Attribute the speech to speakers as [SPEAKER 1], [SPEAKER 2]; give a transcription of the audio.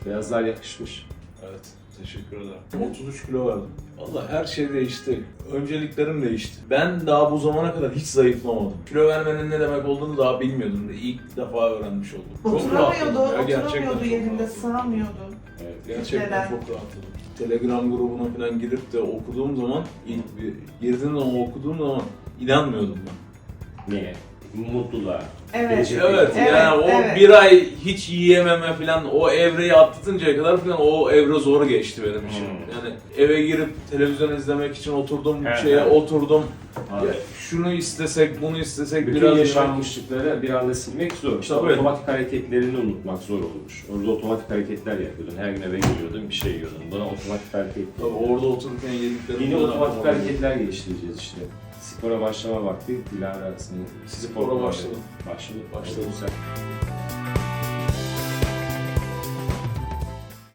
[SPEAKER 1] Beyazlar yakışmış.
[SPEAKER 2] Evet, teşekkür ederim. 33 kilo verdim. Vallahi her şey değişti. Önceliklerim değişti. Ben daha bu zamana kadar hiç zayıflamadım. Kilo vermenin ne demek olduğunu daha bilmiyordum. İlk defa öğrenmiş oldum. Çok rahatladım ya, gerçekten
[SPEAKER 3] Oturamıyordu
[SPEAKER 2] çok
[SPEAKER 3] yerinde,
[SPEAKER 2] rahatladım.
[SPEAKER 3] sığamıyordu.
[SPEAKER 1] Evet.
[SPEAKER 2] Gerçekten
[SPEAKER 3] Neden?
[SPEAKER 2] çok rahatladım. Telegram grubuna falan girip de okuduğum zaman, ilk bir girdiğim zaman okuduğum zaman inanmıyordum ben.
[SPEAKER 1] Niye? Mutluluğa.
[SPEAKER 3] Evet.
[SPEAKER 1] Gelecek
[SPEAKER 2] Evet,
[SPEAKER 1] beklentisi.
[SPEAKER 2] yani o
[SPEAKER 3] evet.
[SPEAKER 2] bir ay hiç yiyememe falan, o evreyi atlatıncaya kadar falan o evre zor geçti benim için. Yani eve girip televizyon izlemek için oturdum, oturdum. Ya, şunu istesek, bunu istesek
[SPEAKER 1] Bütün
[SPEAKER 2] biraz
[SPEAKER 1] yaşanmışlıkları bir anda silmek zor. İşte
[SPEAKER 2] Tabii.
[SPEAKER 1] otomatik hareketlerini unutmak zor olmuş. Orada otomatik hareketler yapıyordun. Her gün eve geliyordun, bir şey yiyordun. Buna otomatik hareket.
[SPEAKER 2] Tabii orada otururken yediklerim
[SPEAKER 1] Yeni
[SPEAKER 2] falan
[SPEAKER 1] otomatik
[SPEAKER 2] var.
[SPEAKER 1] hareketler geliştireceğiz işte. Spora başlama vakti. Dilara arasında.
[SPEAKER 2] Spora başladım.
[SPEAKER 1] Başladı.
[SPEAKER 2] Başladım.
[SPEAKER 1] Güzel.